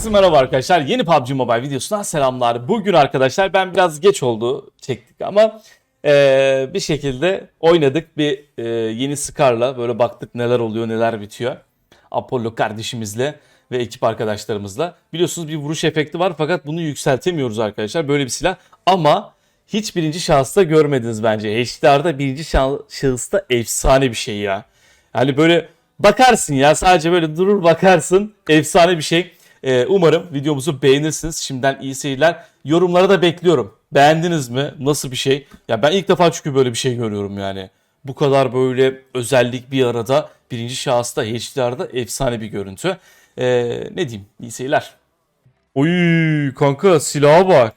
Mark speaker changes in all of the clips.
Speaker 1: Herkese merhaba arkadaşlar. Yeni PUBG Mobile videosundan selamlar. Bugün arkadaşlar ben biraz geç oldu çektik ama bir şekilde oynadık. Yeni Scar'la böyle baktık neler oluyor neler bitiyor. Apollo kardeşimizle ve ekip arkadaşlarımızla. Biliyorsunuz bir vuruş efekti var fakat bunu yükseltemiyoruz arkadaşlar. Böyle bir silah ama hiç birinci şahısta görmediniz bence. HDR'da birinci şahısta efsane bir şey ya. Yani böyle bakarsın ya, sadece böyle durur bakarsın, efsane bir şey. Umarım videomuzu beğenirsiniz. Şimdiden iyi seyirler. Yorumlara da bekliyorum. Beğendiniz mi? Nasıl bir şey? Ya ben ilk defa çünkü böyle bir şey görüyorum yani. Bu kadar böyle özellik bir arada birinci şahısta HDR'da efsane bir görüntü. Ne diyeyim? İyi seyirler. Oy kanka, silaha bak.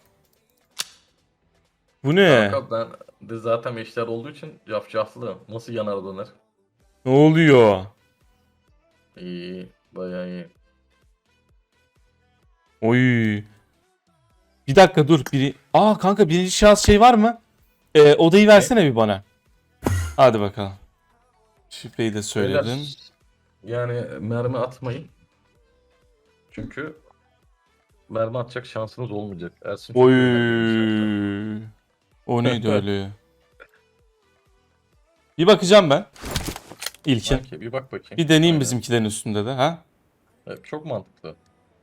Speaker 1: Bu ne?
Speaker 2: Kanka ben de zaten eşler olduğu için cafcaflı. Nasıl yanar döner?
Speaker 1: Ne oluyor?
Speaker 2: İyi, bayağı iyi.
Speaker 1: Oy. Bir dakika dur. Kanka birinci şahıs şey var mı? Odayı versene bir bana. Hadi bakalım. Şifreyi de söyledin.
Speaker 2: Beyler, yani mermi atmayın. Çünkü mermi atacak şansınız olmayacak. Ersin çok
Speaker 1: Oy.
Speaker 2: eğlenceli
Speaker 1: O neydi öyle? Bir bakacağım ben. İlkin.
Speaker 2: Sanki bir bak bakayım.
Speaker 1: Bir deneyeyim
Speaker 2: Aynen.
Speaker 1: bizimkilerin üstünde de ha.
Speaker 2: Evet, çok mantıklı.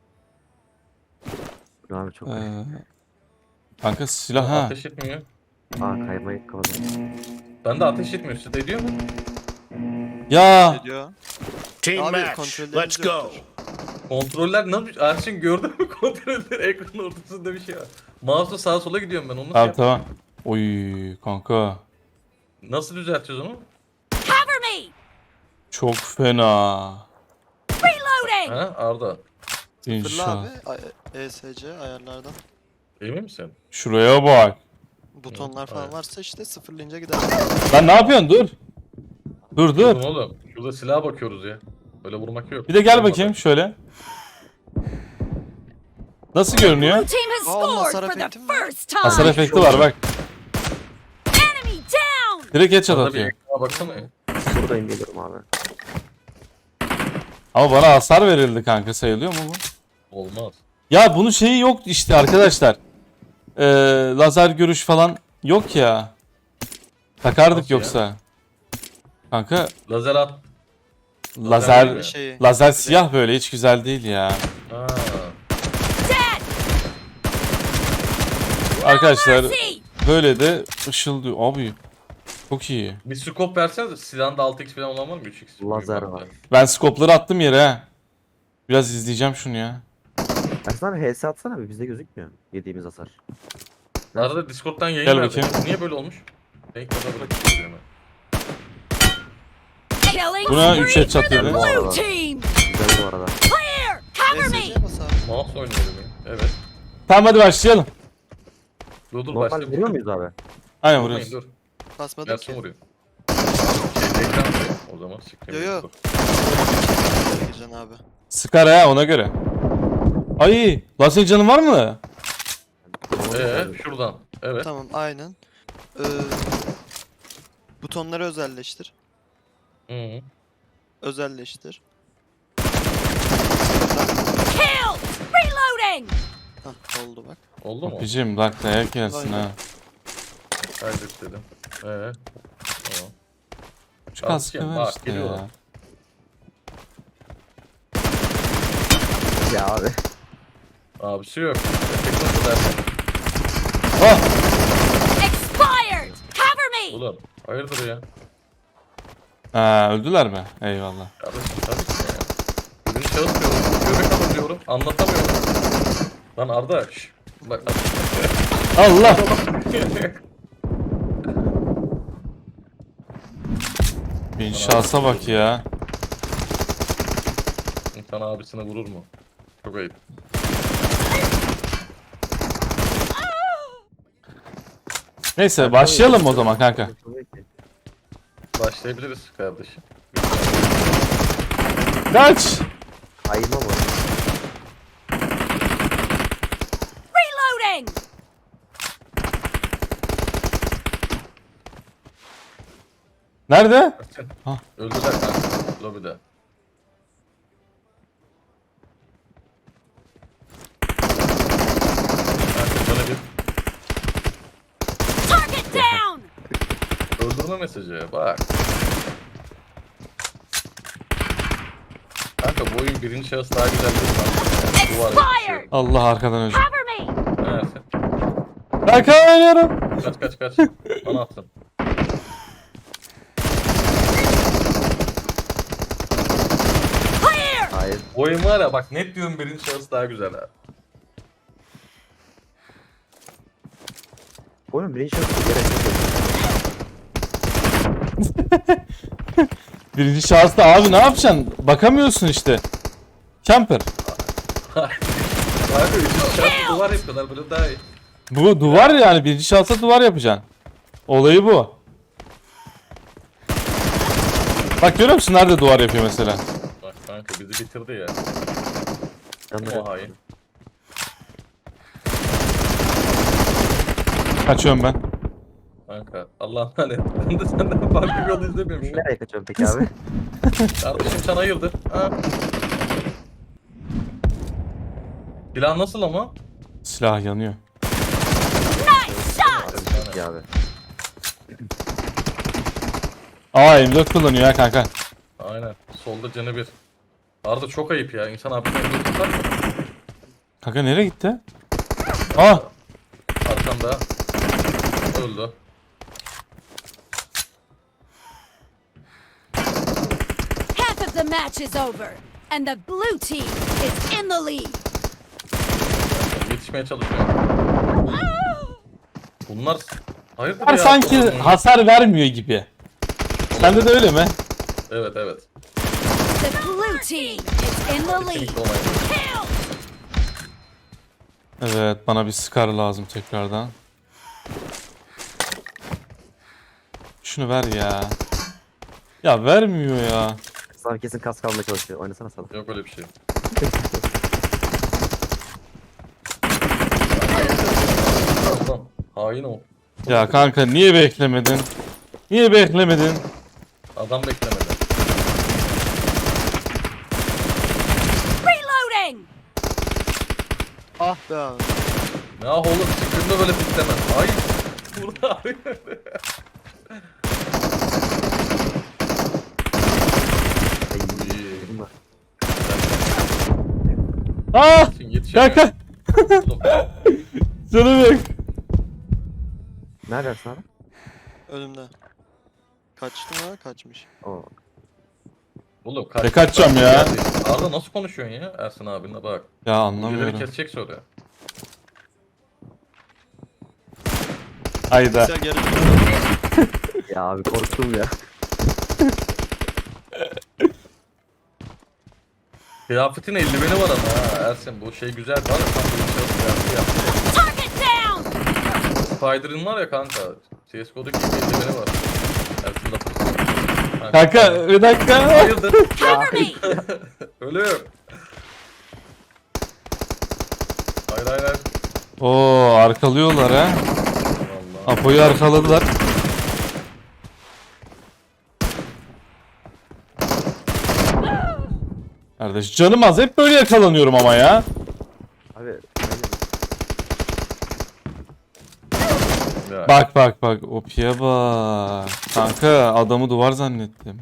Speaker 3: Abi çok
Speaker 1: Ee, kanka silah ha.
Speaker 2: Ateş etmiyor.
Speaker 3: kaymayı kapadım.
Speaker 2: Ben de ateş etmiyor. Siz de ediyor mu?
Speaker 1: Ya
Speaker 4: Ediyor.
Speaker 5: Team
Speaker 4: Abi,
Speaker 5: match.
Speaker 4: kontrollerimiz
Speaker 5: Let's go.
Speaker 4: yoktur.
Speaker 2: Kontroller ne yapmış? Ersin gördün mü kontroller? Ekranın ortasında bir şey var. Mouse'la sağa sola gidiyorum ben. Onu nasıl
Speaker 1: tamam
Speaker 2: yapayım?
Speaker 1: tamam. Oy kanka.
Speaker 2: Nasıl düzelteceğiz onu?
Speaker 6: Cover me!
Speaker 1: Çok fena.
Speaker 6: Reloading!
Speaker 2: Ha Arda.
Speaker 1: Birinci
Speaker 4: Fırla
Speaker 1: şahıs.
Speaker 4: abi ESC ayarlardan.
Speaker 2: Emin misin?
Speaker 1: Şuraya bak.
Speaker 4: Butonlar falan
Speaker 2: evet.
Speaker 4: varsa işte sıfırlayınca gider.
Speaker 1: Lan ne yapıyorsun? Dur. Dur dur.
Speaker 2: Oğlum oğlum. Şurada silaha bakıyoruz ya. Böyle vurmak yok.
Speaker 1: Bir de gel
Speaker 2: Olmadı.
Speaker 1: bakayım şöyle. Nasıl görünüyor?
Speaker 6: Blue team has
Speaker 4: Oh,
Speaker 6: scored
Speaker 4: hasar
Speaker 6: for the
Speaker 4: efekti mi var?
Speaker 6: first time!
Speaker 1: Hasar efekti var bak.
Speaker 6: Enemy down!
Speaker 1: Direkt headshot
Speaker 2: Arda bir
Speaker 1: atıyor.
Speaker 2: ekrana baksana ya.
Speaker 3: Buradayım, geliyorum abi.
Speaker 1: Ama bana hasar verildi kanka, sayılıyor mu bu?
Speaker 2: Olmaz.
Speaker 1: Ya bunun şeyi yok işte arkadaşlar. Lazer görüş falan yok ya. Takardık
Speaker 2: Nasıl ya?
Speaker 1: yoksa. Kanka
Speaker 2: Lazer at.
Speaker 1: lazer
Speaker 2: değil mi?
Speaker 4: Şeyi.
Speaker 1: lazer siyah böyle hiç güzel değil ya.
Speaker 2: Ha.
Speaker 6: Dead!
Speaker 1: Arkadaşlar
Speaker 6: Mercy!
Speaker 1: böyle de ışıldıyor. Abi çok iyi.
Speaker 2: Bir scope verseniz silahında 6x falan olan var mı? 3x.
Speaker 3: Lazer
Speaker 2: Büyük
Speaker 3: var.
Speaker 2: farklı.
Speaker 1: Ben skopları attım yere ha. Biraz izleyeceğim şunu ya.
Speaker 3: Ersin abi HS atsana abi, bizde gözükmüyor yediğimiz hasar.
Speaker 2: Arada Discord'dan yayın
Speaker 1: Gel
Speaker 2: verdi.
Speaker 1: bakayım.
Speaker 2: Niye böyle olmuş? Renk kadar bırakıyorum ben.
Speaker 6: Killing
Speaker 1: Buna
Speaker 6: spree
Speaker 1: 3
Speaker 6: for
Speaker 1: headshot
Speaker 6: the
Speaker 1: yedi.
Speaker 6: blue team!
Speaker 3: Güzel bu arada.
Speaker 6: Clear! Cover me!
Speaker 4: ESC bas abi.
Speaker 2: Mouse oynuyorum ya. Evet.
Speaker 1: Tamam hadi başlayalım.
Speaker 2: Dur
Speaker 3: Normal
Speaker 2: başla.
Speaker 3: vuruyor muyuz abi?
Speaker 1: Aynen
Speaker 2: Vurmayın,
Speaker 1: vuruyoruz.
Speaker 2: dur.
Speaker 4: Basmadık
Speaker 2: Gelsin
Speaker 4: ki.
Speaker 2: vuruyor. Ekran vuruyor. O zaman sikeyim.
Speaker 4: Yo, yo.
Speaker 2: Dur.
Speaker 4: Gireceksin abi.
Speaker 1: Sıkar ha, ona göre. Ay, lan senin canın var mı?
Speaker 2: Şuradan. Evet.
Speaker 4: Tamam aynen. Butonları özelleştir.
Speaker 2: Hı -hı.
Speaker 4: Özelleştir.
Speaker 6: Kill! Reloading!
Speaker 4: Hah oldu bak.
Speaker 2: Oldu mu?
Speaker 1: Abicim bak dayak gelsin ha.
Speaker 2: Kaydet dedim. Tamam.
Speaker 1: Şu kaskı
Speaker 2: Abicim,
Speaker 1: ver
Speaker 2: bak,
Speaker 1: işte
Speaker 2: geliyorlar.
Speaker 1: ya.
Speaker 3: Ya abi.
Speaker 2: Abisi yok. Efekt nasıl dersin?
Speaker 1: Oh!
Speaker 6: Expired! Cover me!
Speaker 2: Ulan hayırdır ya?
Speaker 1: Ha, öldüler mi? Eyvallah.
Speaker 2: Kardeşim tabii ki ya. Birini şahıs diyorum. Göbek alın diyorum. Anlatamıyorum. Lan Arda. Şş. Bak.
Speaker 1: Allah! Bir şansa bak ya.
Speaker 2: İnsan abisine vurur mu? Çok ayıp.
Speaker 1: Neyse başlayalım o zaman kanka.
Speaker 2: Başlayabiliriz kardeşim.
Speaker 1: Kaç!
Speaker 3: Ayıma bu.
Speaker 6: Reloading!
Speaker 1: Nerede? Ha.
Speaker 2: Öldüler kanka. Lobide. Öldürme mesajı bak. Kanka bu oyun birinci şahıs daha güzel değil mi? Duvar
Speaker 6: Expired!
Speaker 1: Allah arkadan önce.
Speaker 6: Cover me!
Speaker 2: Evet.
Speaker 1: Kanka oynuyorum.
Speaker 2: Kaç. Bana attın.
Speaker 6: Clear!
Speaker 3: Hayır.
Speaker 2: Bu oyun var ya bak net diyorum birinci şahıs daha güzel ha.
Speaker 3: Oğlum birinci şahıs gerek yok.
Speaker 1: Birinci şahısta abi ne yapacaksın? Bakamıyorsun işte. Camper.
Speaker 2: Kanka üçüncü şahıs duvar yapıyorlar böyle daha iyi.
Speaker 1: Bu duvar yani birinci şahısta duvar yapacaksın. Olayı bu. Bak görüyor musun nerede duvar yapıyor mesela?
Speaker 2: Bak kanka bizi bitirdi ya.
Speaker 3: Yanları.
Speaker 2: O hain.
Speaker 1: Kaçıyorum ben.
Speaker 2: Kanka Allah'ım hani ben de senden farklı bir yol izlemiyorum şu an.
Speaker 3: Nereye kaçıyorsun peki abi?
Speaker 2: Kardeşim sen hayırdır? Ha? Silah nasıl ama?
Speaker 1: Silah yanıyor.
Speaker 6: Nice shot!
Speaker 3: Peki abi.
Speaker 1: Aa M4 kullanıyor ya kanka.
Speaker 2: Aynen. Solda canı bir. Arada çok ayıp ya. İnsan hapisten tutar mı?
Speaker 1: Kanka nereye gitti? Aa
Speaker 2: Arkanda. Öldü.
Speaker 6: Half of the match is over, and the blue team is in the lead.
Speaker 2: Yetişmeye çalışıyor. Bunlar... Hayırdır
Speaker 1: bunlar
Speaker 2: ya?
Speaker 1: sanki hasar vermiyor gibi. Sende de öyle mi?
Speaker 2: Evet.
Speaker 6: The blue team is in the lead.
Speaker 2: Kesinlikle olay.
Speaker 6: Kill!
Speaker 1: Evet bana bir Scar lazım tekrardan. Şunu ver ya. Ya vermiyor ya.
Speaker 3: Sana kesin kas kalmaya çalışıyor. Oynasana sana.
Speaker 2: Yok öyle bir şey. Adam. Hain o.
Speaker 1: Ya kanka niye beklemedin? Niye beklemedin?
Speaker 2: Adam beklemedi.
Speaker 6: Reloading!
Speaker 4: Ah be abi.
Speaker 2: Ne ah oğlum çıktığında böyle piklemez. Hayır. Burada hayır. İyi.
Speaker 3: Bunlar.
Speaker 1: Aa!
Speaker 2: Yetişemiyor.
Speaker 1: Kanka!
Speaker 2: Oğlum,
Speaker 1: Canım yok.
Speaker 3: Neredesin abi?
Speaker 4: Önümde. Kaçtı mı? Kaçmış.
Speaker 3: Oo.
Speaker 2: Oğlum
Speaker 1: Ne kaçacağım ya?
Speaker 2: Arda nasıl konuşuyorsun ya Ersin abinle bak.
Speaker 1: Ya
Speaker 2: Birileri
Speaker 1: anlamıyorum.
Speaker 2: kesecek sonra.
Speaker 1: Hayda.
Speaker 4: Sen geri
Speaker 3: Ya abi korktum ya.
Speaker 2: Kıyafetin eldiveni var ama ha Ersin bu şey güzel var ya tam bir şey yaptı.
Speaker 6: Target down!
Speaker 2: Spider'ın var ya kanka. CSGO'daki eldiveni var. Ersin de
Speaker 1: Kanka bir dakika.
Speaker 2: Hayırdır?
Speaker 6: Cover me!
Speaker 2: Ölüm. Hayır.
Speaker 1: Oo arkalıyorlar ha.
Speaker 2: Vallahi.
Speaker 1: Apo'yu arkaladılar. Kardeş canım az hep böyle yakalanıyorum ama ya.
Speaker 3: Abi.
Speaker 2: Ya.
Speaker 1: Bak Opi'ye bak. Kanka adamı duvar zannettim.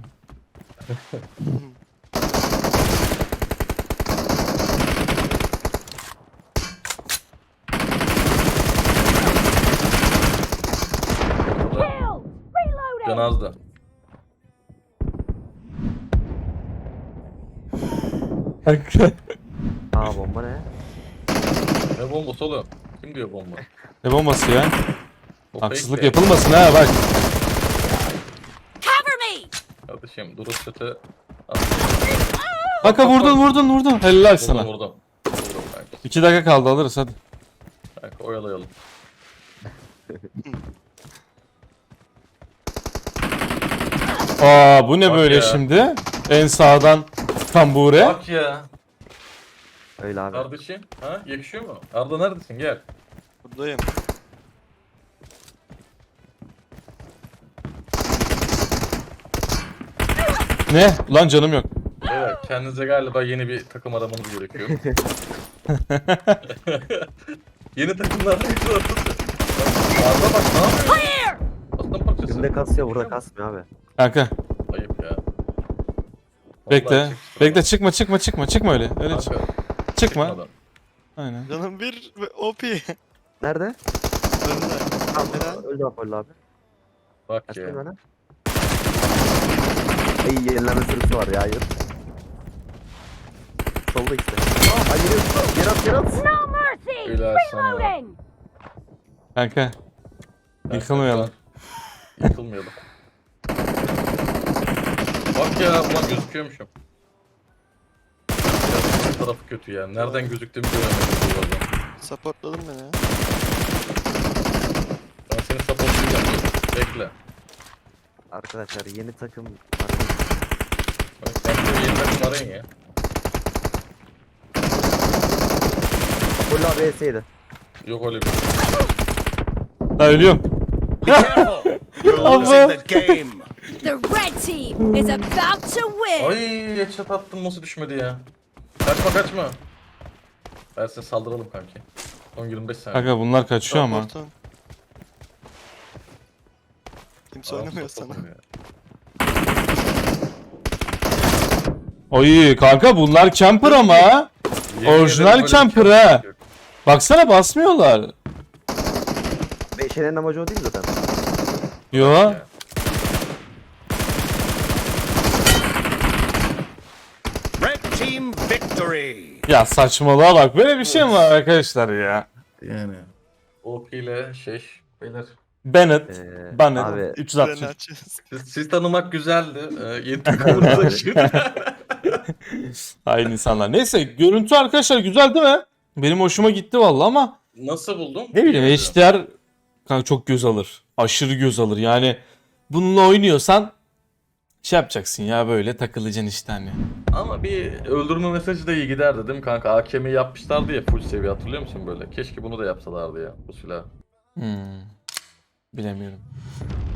Speaker 6: Kill! Reloading!
Speaker 2: Can azdı.
Speaker 1: Kanka.
Speaker 3: Aa bomba ne?
Speaker 2: Ne bombası oğlum? Kim diyor bomba?
Speaker 1: Ne bombası ya?
Speaker 2: O
Speaker 1: Haksızlık
Speaker 2: fake
Speaker 1: yapılmasın ha bak.
Speaker 6: Cover me!
Speaker 2: Kardeşim durup kötü.
Speaker 1: Kanka vurdun. Helal sana.
Speaker 2: Vurdum kanka.
Speaker 1: 2 dakika kaldı alırız hadi.
Speaker 2: Kanka oyalayalım.
Speaker 1: Aa bu ne
Speaker 2: Bak
Speaker 1: böyle
Speaker 2: ya.
Speaker 1: şimdi? En sağdan kambure.
Speaker 2: Bak ya.
Speaker 3: Öyle abi.
Speaker 2: Kardeşim. Ha yakışıyor mu? Arda neredesin gel.
Speaker 4: Buradayım.
Speaker 1: Ne? Lan canım yok.
Speaker 2: Evet kendinize galiba yeni bir takım aramanız gerekiyor. Yeni takımlar arayın. Arda bak ne yapıyor?
Speaker 6: Clear!
Speaker 2: Aslan parçası.
Speaker 3: Oyunda kasıyor, burada kasmıyor abi.
Speaker 1: Kanka
Speaker 2: Ayıp ya.
Speaker 1: bekle.
Speaker 2: Vallahi çıktı
Speaker 1: Bekle
Speaker 2: adam.
Speaker 1: çıkma öyle. Öyle çık.
Speaker 2: Kanka,
Speaker 1: Çıkma.
Speaker 2: çıkmadan.
Speaker 1: Aynen.
Speaker 4: Canım bir ve OP.
Speaker 3: Nerede?
Speaker 4: Önünde. Neden?
Speaker 3: Öldü Apollo abi.
Speaker 2: Bak
Speaker 3: Kaçtı
Speaker 2: ya.
Speaker 3: bana. İyi yenileme sürüsü var ya, hayır. Solda işte. Hayır, yer at.
Speaker 6: No mercy!
Speaker 2: Helal sana.
Speaker 6: Reloading!
Speaker 1: Kanka. Yıkılmayalım.
Speaker 2: Yıkılmayalım. Bak ya, ulan gözüküyormuşum. Ya, bu tarafı kötü ya. Nereden gözüktüğümü göremedim bu arada.
Speaker 4: Supportladın beni ya.
Speaker 2: Ben seni supportlayacağım. Bekle.
Speaker 3: Arkadaşlar yeni takım.
Speaker 2: Bak kendine yeni takım arayın ya.
Speaker 3: Apollo abi ES'ydi.
Speaker 2: Yok öyle bir şey.
Speaker 1: Ha ölüyorum.
Speaker 5: You're losing the game.
Speaker 6: The red team is about to win!
Speaker 2: Ay headshot attım, nasıl düşmedi ya. Kaçma. Ben size saldıralım kanki. Son 25 saniye.
Speaker 1: Kanka bunlar kaçıyor ama.
Speaker 4: Support'un. Kimse
Speaker 2: Aa,
Speaker 4: oynamıyor
Speaker 2: support
Speaker 4: sana.
Speaker 2: oynuyor.
Speaker 1: Oy kanka bunlar camper ama.
Speaker 2: Yemin
Speaker 1: Orijinal
Speaker 2: ederim böyle bir
Speaker 1: camper
Speaker 2: şey
Speaker 1: ha.
Speaker 2: yok.
Speaker 1: Baksana basmıyorlar.
Speaker 3: Beşenenin amacı o değil mi zaten?
Speaker 1: Yo.
Speaker 2: Ya.
Speaker 5: Red team victory.
Speaker 1: Ya saçmalığa bak. Böyle bir şey mi var arkadaşlar ya?
Speaker 2: Yani. OP ile beyler.
Speaker 1: Bennett. Bennett.
Speaker 3: Abi
Speaker 1: 360.
Speaker 4: Freni açıyoruz.
Speaker 2: Siz tanımak güzeldi. Yeni takımınıza şimdi.
Speaker 1: Hain insanlar. Neyse görüntü arkadaşlar güzel değil mi? Benim hoşuma gitti vallahi ama
Speaker 2: Nasıl buldun?
Speaker 1: ne bileyim
Speaker 2: Bilmiyorum.
Speaker 1: HDR kanka çok göz alır. Aşırı göz alır. Yani bununla oynuyorsan şey yapacaksın ya böyle takılacaksın işte hani.
Speaker 2: Ama bir öldürme mesajı da iyi giderdi değil mi kanka? AKM'yi yapmışlardı ya full seviye, hatırlıyor musun böyle? Keşke bunu da yapsalardı ya bu silah.
Speaker 1: Bilemiyorum.